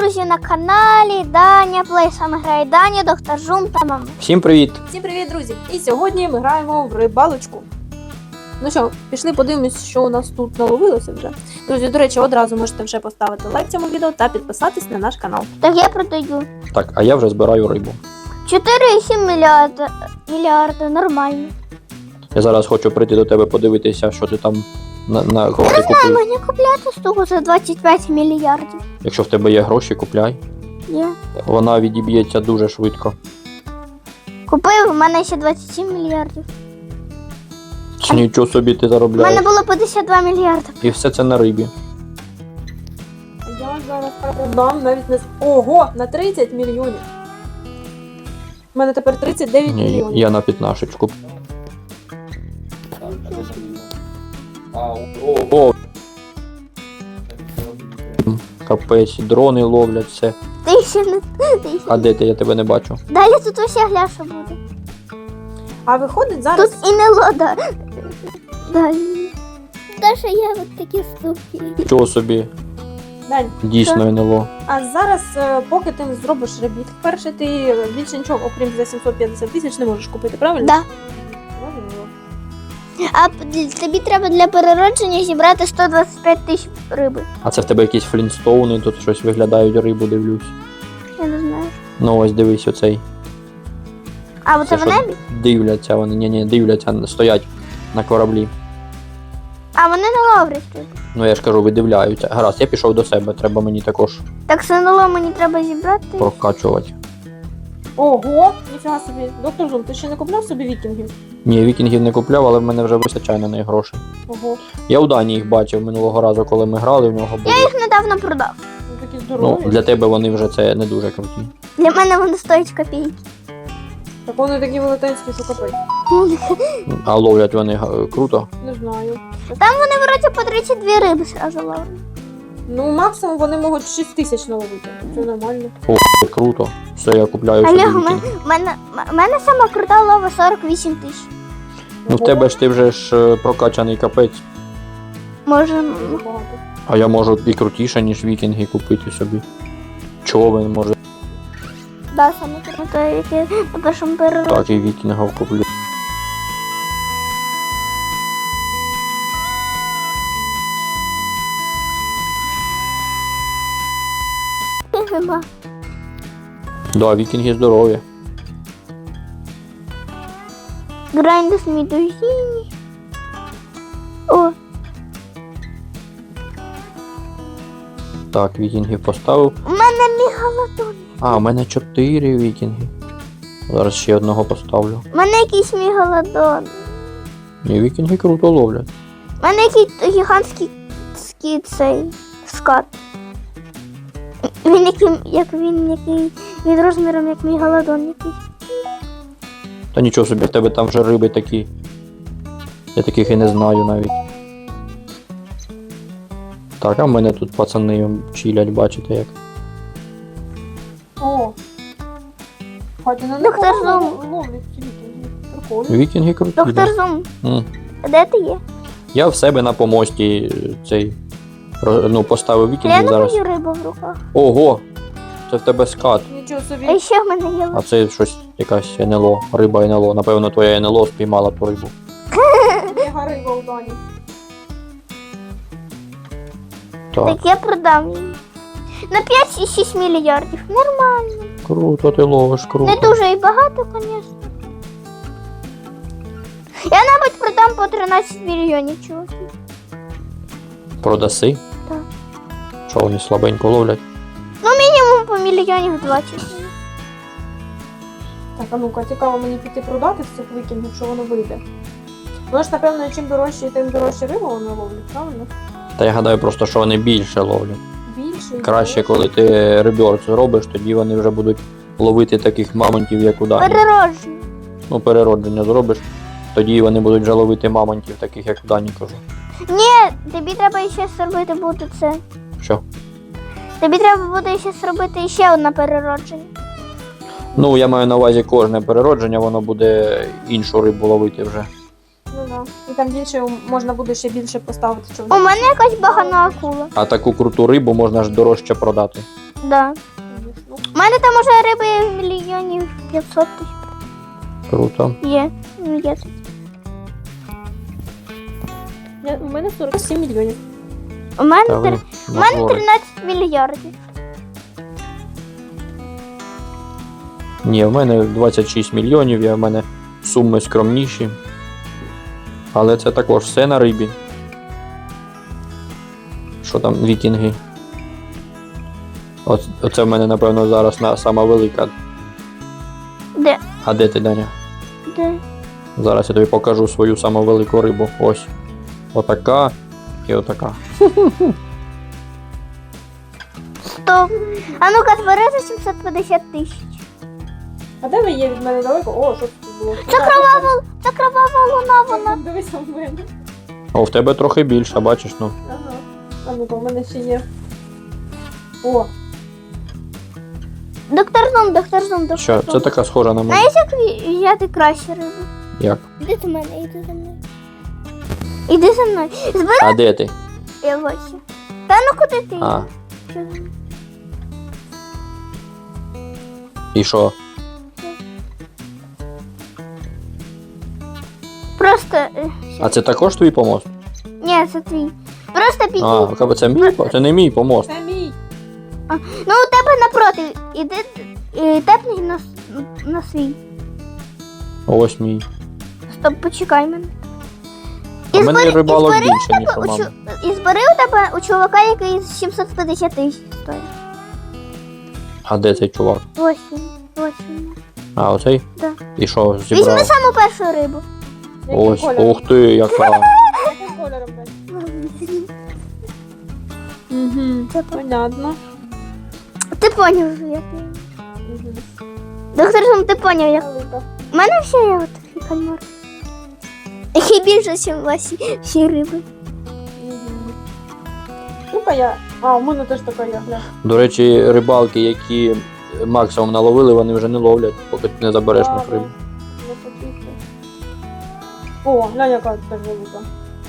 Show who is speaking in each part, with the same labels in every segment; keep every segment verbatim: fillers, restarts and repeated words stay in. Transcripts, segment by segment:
Speaker 1: друзі, на каналі Даня Плей. Саме грає Даня, доктор Жум та мама.
Speaker 2: Всім привіт!
Speaker 3: Всім привіт, друзі! І сьогодні ми граємо в рибалочку. Ну що, пішли подивимось, що у нас тут наловилося вже. Друзі, до речі, одразу можете вже поставити лайк цьому відео та підписатись на наш канал.
Speaker 1: Так я продаю.
Speaker 2: Так, а я вже збираю рибу.
Speaker 1: чотири і сім мільярда, мільярда, нормально.
Speaker 2: Я зараз хочу прийти до тебе подивитися, що ти там на, на кого ти
Speaker 1: Знаю,
Speaker 2: купив.
Speaker 1: мені купляти штуку за двадцять п'ять мільярдів.
Speaker 2: Якщо в тебе є гроші, купляй.
Speaker 1: Є.
Speaker 2: Вона відіб'ється дуже швидко.
Speaker 1: Купив, у мене ще двадцять сім мільярдів.
Speaker 2: Чи нічого собі ти
Speaker 1: У мене
Speaker 2: заробляєш.
Speaker 1: було п'ятдесят два мільярди.
Speaker 2: І все це на рибі.
Speaker 3: Я зараз продам навіть не... Ого, на тридцять мільйонів. У мене тепер тридцять дев'ять
Speaker 2: Ні,
Speaker 3: мільйонів.
Speaker 2: я на п'ятнашечку. О, капець, дрони ловлять все.
Speaker 1: Ти ще не... Ти ще...
Speaker 2: А де ти? Я тебе не бачу.
Speaker 1: Далі тут уся гляша буде.
Speaker 3: А виходить зараз...
Speaker 1: Тут і не лода. Далі. Даже є от такі штуки.
Speaker 2: Чого собі?
Speaker 3: Дань,
Speaker 2: Дійсно НЛО.
Speaker 3: а зараз, е, поки ти не зробиш ребіт, перше ти більше нічого, окрім за сімсот п'ятдесят тисяч, не можеш купити, правильно?
Speaker 1: Да.
Speaker 3: Правильно.
Speaker 1: А д- тобі треба для переродження зібрати сто двадцять п'ять тисяч риби.
Speaker 2: А це в тебе якісь флінстоуни, тут щось виглядають, рибу дивлюсь.
Speaker 1: Я не знаю.
Speaker 2: Ну ось дивись оцей.
Speaker 1: А оце в
Speaker 2: що
Speaker 1: небі?
Speaker 2: Дивляться вони, ні, ні, дивляться, стоять на кораблі.
Speaker 1: А вони не ловлять тут.
Speaker 2: Ну я ж кажу, видивляються. Гаразд, я пішов до себе, треба мені також
Speaker 1: Так синоло мені треба зібрати.
Speaker 2: прокачувати.
Speaker 3: Ого, ніфіга собі. Доктор Жум, ти ще не купляв собі вікінгів?
Speaker 2: Ні, вікінгів не купляв, але в мене вже вистачає на них грошей.
Speaker 3: Ого,
Speaker 2: Я у Дані їх бачив минулого разу, коли ми грали, в нього були.
Speaker 1: Я їх недавно продав.
Speaker 3: вони такі
Speaker 2: Ну,
Speaker 3: здорові.
Speaker 2: для тебе вони вже це не дуже круті.
Speaker 1: Для мене вони стоять копійки.
Speaker 3: Так вони такі велетенські, що капець.
Speaker 2: А ловлять вони га- круто.
Speaker 3: Не знаю.
Speaker 1: Там вони вроді по тридцять дві риби сразу ловлять.
Speaker 3: Ну, максимум вони можуть шість тисяч наловити. Це нормально.
Speaker 2: О, круто. Все, я купляю собі
Speaker 1: Але в мене,
Speaker 2: вікінг.
Speaker 1: в мене, в мене сама крута лова сорок вісім тисяч.
Speaker 2: Ну в тебе ж ти вже ж е, прокачаний капець.
Speaker 1: Може, м,
Speaker 3: Дуже багато.
Speaker 2: А я можу і крутіше, ніж вікінги купити собі. Човен може.
Speaker 1: да, саме круто, яке на першому переродженні.
Speaker 2: Так, і вікінгів куплю.
Speaker 1: Нема.
Speaker 2: Да, вікінги здорові.
Speaker 1: Грайндус медузіні. О,
Speaker 2: Так, вікінгів поставив.
Speaker 1: у мене мігалодон.
Speaker 2: А, у мене чотири вікінги. Зараз ще одного поставлю.
Speaker 1: У мене якийсь мігалодон.
Speaker 2: Ні, вікінги круто ловлять.
Speaker 1: У мене якийсь гігантський ський цей скат. Він який, як він який, він розміром як мігалодон якийсь.
Speaker 2: Та нічого собі, в тебе там вже риби такі. Я таких і не знаю навіть. Так, а в мене тут пацани чилять, бачите як.
Speaker 3: О! Хоча на
Speaker 1: Доктор
Speaker 3: них
Speaker 1: Жум.
Speaker 3: ловлять ці вікінги. Прикольно.
Speaker 2: Вікінги круті.
Speaker 1: Доктор
Speaker 2: Да.
Speaker 1: Зум,
Speaker 2: М.
Speaker 1: де ти є?
Speaker 2: Я в себе на помості е, цей ро- ну, поставив вікінги
Speaker 1: Глянь
Speaker 2: зараз.
Speaker 1: мою рибу в руках.
Speaker 2: Ого! Це в тебе скат.
Speaker 3: Нічого собі.
Speaker 1: А ще в мене є
Speaker 2: А це щось якась НЛО, риба НЛО. Напевно, твоя НЛО спіймала ту рибу.
Speaker 3: Мега риба у Дані.
Speaker 2: Так,
Speaker 1: Так я продам її. На п'ять і шість мільярдів. Нормально.
Speaker 2: круто ти ловиш, круто.
Speaker 1: Не дуже і багато, звісно. Я, мабуть, продам по тринадцять мільйонів чуваків.
Speaker 2: Продаси?
Speaker 1: Так.
Speaker 2: Що вони слабенько ловлять?
Speaker 1: Ну, мінімум по мільйонів двадцять.
Speaker 3: Так, а ну-ка, цікаво мені піти продати з цих вікінгів, що воно вийде. Ну ж, напевно, чим дорожче, тим дорожче рибу вони ловлять, правильно?
Speaker 2: Та я гадаю просто, що вони більше ловлять.
Speaker 3: Більше. і
Speaker 2: Краще,
Speaker 3: дорожче.
Speaker 2: коли ти реберц зробиш, тоді вони вже будуть ловити таких мамонтів, як у Дані.
Speaker 1: Переродження.
Speaker 2: Ну, переродження зробиш, тоді вони будуть вже ловити мамонтів, таких як у Дані, кажу.
Speaker 1: Ні, тобі треба ще зробити буде це.
Speaker 2: Що?
Speaker 1: Тобі треба буде ще зробити ще одне переродження.
Speaker 2: Ну, я маю на увазі кожне переродження, воно буде іншу рибу ловити вже.
Speaker 3: Ну да. І там більше можна буде ще більше поставити
Speaker 1: У
Speaker 3: човнів.
Speaker 1: мене якась багана акула.
Speaker 2: А таку круту рибу можна ж дорожче продати.
Speaker 1: Да.
Speaker 3: Ну,
Speaker 1: У мене там уже риби мільйонів п'ятсот тисяч
Speaker 2: Круто.
Speaker 1: є. Ну, є.
Speaker 3: я- у мене сорок сім мільйонів.
Speaker 1: У мене,
Speaker 2: Та ви
Speaker 1: три- у мене
Speaker 2: нагори.
Speaker 1: тринадцять мільярдів.
Speaker 2: Ні, в мене двадцять шість мільйонів, я в мене суми скромніші. Але це також все на рибі. Що там, вікінги? Оц- Оце в мене, напевно, зараз на сама велика.
Speaker 1: Де?
Speaker 2: А де ти, Даня?
Speaker 1: Де?
Speaker 2: Зараз я тобі покажу свою саму велику рибу. Ось. Отака і отака.
Speaker 1: Стоп. А ну-ка, збери за сімсот п'ятдесят тисяч.
Speaker 3: А де ви є від мене далеко? О, що тут було?
Speaker 1: Це кровава, це кровава луна, вона.
Speaker 3: Дивися в мене.
Speaker 2: О, в тебе трохи більше, бачиш, ну.
Speaker 3: Ага. А ну-ка, в мене ще є. О,
Speaker 1: Доктор Зум, доктор Зум, доктор
Speaker 2: Що,
Speaker 1: Зум.
Speaker 2: це така схожа на мене.
Speaker 1: Знаєш, як ві- взяти краще рибу?
Speaker 2: Як?
Speaker 1: Іди до мене, іди за мною. Іди за мною. Збери
Speaker 2: А де ти?
Speaker 1: я ось. Та ну куди ти?
Speaker 2: А,
Speaker 1: Що за-
Speaker 2: і що?
Speaker 1: Просто. е,
Speaker 2: А це також твій помост?
Speaker 1: Ні, це твій. Просто підійди.
Speaker 2: А, кабе, це мій? по- Це не мій помост.
Speaker 3: це мій.
Speaker 1: Ну, у тебе напроти. Іди і тепни на, с- на свій.
Speaker 2: Ось мій.
Speaker 1: Стоп, почекай мене.
Speaker 2: У
Speaker 1: І
Speaker 2: мене
Speaker 1: збери-
Speaker 2: рибалок
Speaker 1: і збери
Speaker 2: більше, ніж у
Speaker 1: у
Speaker 2: мами.
Speaker 1: чу- І збери у тебе у чувака, який з сімсот п'ятдесят тисяч стоїть.
Speaker 2: А де цей чувак?
Speaker 1: Ось він. Ось він.
Speaker 2: А, оцей?
Speaker 1: Да.
Speaker 2: І що,
Speaker 1: Візьми
Speaker 2: зібрав?
Speaker 1: саму першу рибу.
Speaker 3: Яким
Speaker 2: Ось,
Speaker 3: кольором?
Speaker 2: ух ти, яка.
Speaker 3: Яким кольором, Дань? Угу.
Speaker 1: Це
Speaker 3: Понятно.
Speaker 1: Ти поняв, як він.
Speaker 3: Угу.
Speaker 1: Доктор Зум, ти поняв, як.
Speaker 3: Велика.
Speaker 1: У мене ще є от такий кальмар. Який більше, ніж ваші всі риби.
Speaker 3: Угу. Ну-ка я. А, у мене теж така є, гля.
Speaker 2: До речі, рибалки, які максимум наловили, вони вже не ловлять, поки ти не забереш в них
Speaker 3: Ладно.
Speaker 2: рибу.
Speaker 3: Не хотіти. О, глянь, яка теж велика.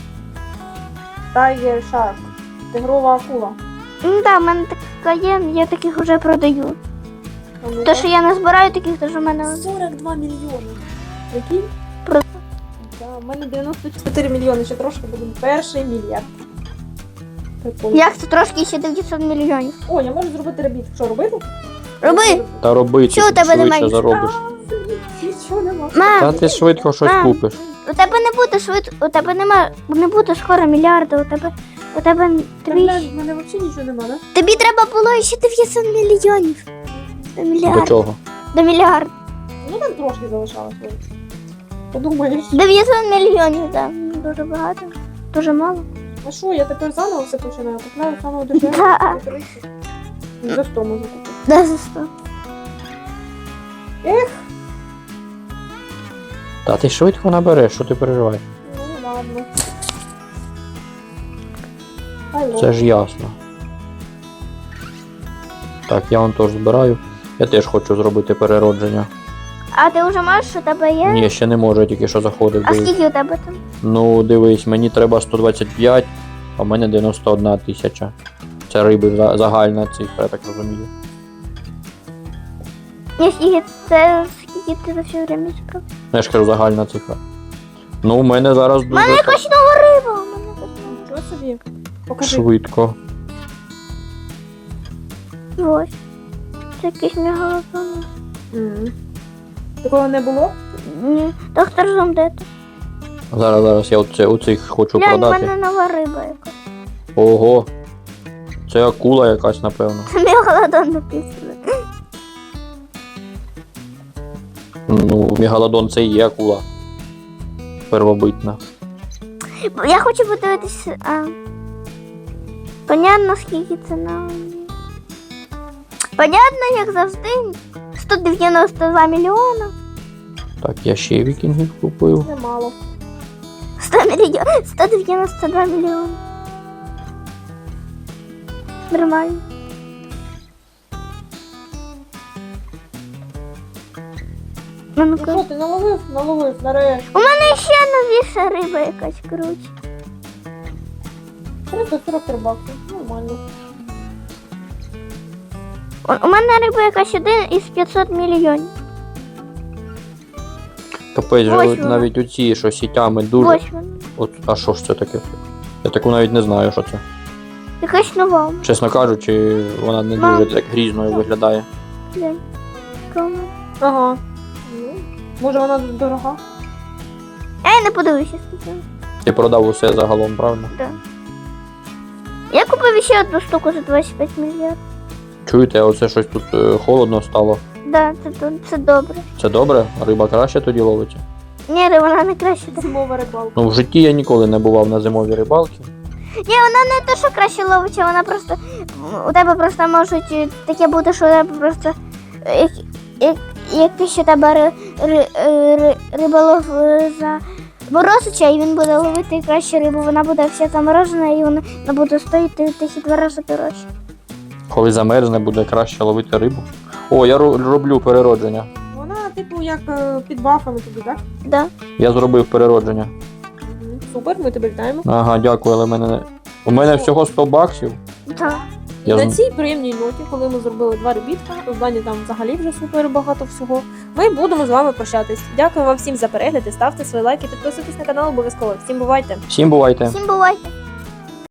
Speaker 3: Tiger Shark. Тигрова акула.
Speaker 1: Ну так, в мене така є, я таких вже продаю.
Speaker 3: А ну-ка.
Speaker 1: То, що я не збираю таких, то що в мене.
Speaker 3: сорок два мільйони. Який?
Speaker 1: Про-
Speaker 3: Да, у мене дев'яносто чотири мільйони, ще трошки будемо. Перший мільярд. Прикольно.
Speaker 1: Як це трошки ще дев'ятсот мільйонів.
Speaker 3: О, я можу зробити ребіт. Що робити?
Speaker 1: Роби!
Speaker 2: Та робити,
Speaker 1: Що у тебе
Speaker 2: швидше
Speaker 1: немає?
Speaker 2: заробиш.
Speaker 3: А, блін, нічого нема.
Speaker 2: Та
Speaker 1: Мам,
Speaker 2: ти швидко щось
Speaker 1: Мам.
Speaker 2: купиш.
Speaker 1: у тебе не буде швидко, у тебе нема, не буде скоро мільярда, у тебе, у тебе
Speaker 3: Та,
Speaker 1: тобі,
Speaker 3: глянь, в мене взагалі нічого нема, да?
Speaker 1: тобі треба було ще дев'ятсот мільйонів. До
Speaker 2: До
Speaker 1: мільярда.
Speaker 2: чого?
Speaker 1: До мільярда.
Speaker 3: Ну там трошки залишалось. ось. Подумаєш.
Speaker 1: дев'ятсот мільйонів, так. Дуже багато. Дуже мало.
Speaker 3: А що, я тепер заново все починаю? Купляю самого дешевого.
Speaker 1: Да.
Speaker 3: за тридцять. Ну, за сто можу купити.
Speaker 1: Да, за сто.
Speaker 2: Та ти швидко набереш, що ти переживаєш?
Speaker 3: Ну ладно. Алло.
Speaker 2: Це ж ясно. Так, я вон теж збираю. Я теж хочу зробити переродження.
Speaker 1: А ти вже маєш, що у тебе є?
Speaker 2: Ні, ще не можу, я тільки що заходив.
Speaker 1: А
Speaker 2: дивись.
Speaker 1: скільки у тебе там?
Speaker 2: Ну, дивись, мені треба сто двадцять п'ять, а в мене дев'яносто одна тисяча. Це риби за- загальна цифра, я так розумію.
Speaker 1: Ні, скільки це скільки ти за все время зібрав?
Speaker 2: Ну, я ж кажу, загальна цифра. Ну, у мене зараз
Speaker 1: У мене
Speaker 2: дуже
Speaker 1: якась нова риба. У мене якась нова.
Speaker 3: Нічого собі. Покажи.
Speaker 2: швидко.
Speaker 1: Ось. Це якийсь мегалодон.
Speaker 3: Мгм. Такого не було?
Speaker 1: Ні. Доктор Зум, де ти?
Speaker 2: Зараз, зараз я оце, оцих хочу
Speaker 1: Глянь, у
Speaker 2: продати.
Speaker 1: мене нова риба якась.
Speaker 2: Ого. Це акула якась, напевно.
Speaker 1: Це мегалодон написано.
Speaker 2: Ну, мегалодон це і є акула. Первобитна.
Speaker 1: Я хочу подивитися. А... Понятно, скільки це на. Понятно, як завжди. сто дев'яносто два мільйона.
Speaker 2: Так, я ще вікінгів купив.
Speaker 3: Немало.
Speaker 1: сто мільйон... сто дев'яносто два мільйони. Нормально. Ну,
Speaker 3: Ну
Speaker 1: ну-ка.
Speaker 3: що, ти наловив? Наловив, нарешті.
Speaker 1: У мене ще новіша риба якась круче.
Speaker 3: триста сорок три бакси. Нормально.
Speaker 1: У, у мене риба якась один із п'ятсот мільйонів.
Speaker 2: Капець, же,
Speaker 1: Ось
Speaker 2: от
Speaker 1: вона.
Speaker 2: навіть оці, що сітями дуже.
Speaker 1: Ось вона.
Speaker 2: От, а що ж це таке? Я таку навіть не знаю, що це.
Speaker 1: Якась нова.
Speaker 2: Чесно кажучи, вона не
Speaker 1: Мам.
Speaker 2: дуже так грізною виглядає.
Speaker 1: Глянь. Кому?
Speaker 3: Ага. Ну, може вона дорога?
Speaker 1: А я не подивлюся скільки.
Speaker 2: Ти продав усе загалом, правильно?
Speaker 1: Да. Я купив ще одну штуку за двадцять п'ять мільярдів.
Speaker 2: Чуєте, а оце щось тут е, холодно стало.
Speaker 1: Да, це, це, це добре.
Speaker 2: Це добре? Риба краще тоді ловиться?
Speaker 1: Ні, риба, вона не краще. так.
Speaker 3: Зимова рибалка.
Speaker 2: Ну, в житті я ніколи не бував на зимовій рибалці.
Speaker 1: Ні, вона не те, що краще ловиться, вона просто. У тебе просто можуть е, таке бути, що у тебе просто. е, Як, як, якийсь у тебе ри, ри, е, ри, риболов е, заморозиться, і він буде ловити краще рибу, вона буде вся заморожена і вона не буде стоїти в тисячі два рази дорожче.
Speaker 2: Коли замерзне, буде краще ловити рибу. О, я ро- роблю переродження.
Speaker 3: Вона, типу, як е, під бафами тобі, так?
Speaker 1: Да.
Speaker 2: Я зробив переродження.
Speaker 3: Мгм. Супер, ми тебе вітаємо.
Speaker 2: Ага, дякую, але в мене не. У мене всього сто баксів.
Speaker 1: Да.
Speaker 2: Я
Speaker 3: На
Speaker 2: з-
Speaker 3: цій приємній ноті, коли ми зробили два ребітка, у Дані там взагалі вже супер багато всього. Ми будемо з вами прощатись. Дякую вам всім за перегляд, і ставте свої лайки, підписуйтесь на канал обов'язково. Всім бувайте!
Speaker 2: Всім бувайте!
Speaker 1: Всім бувайте!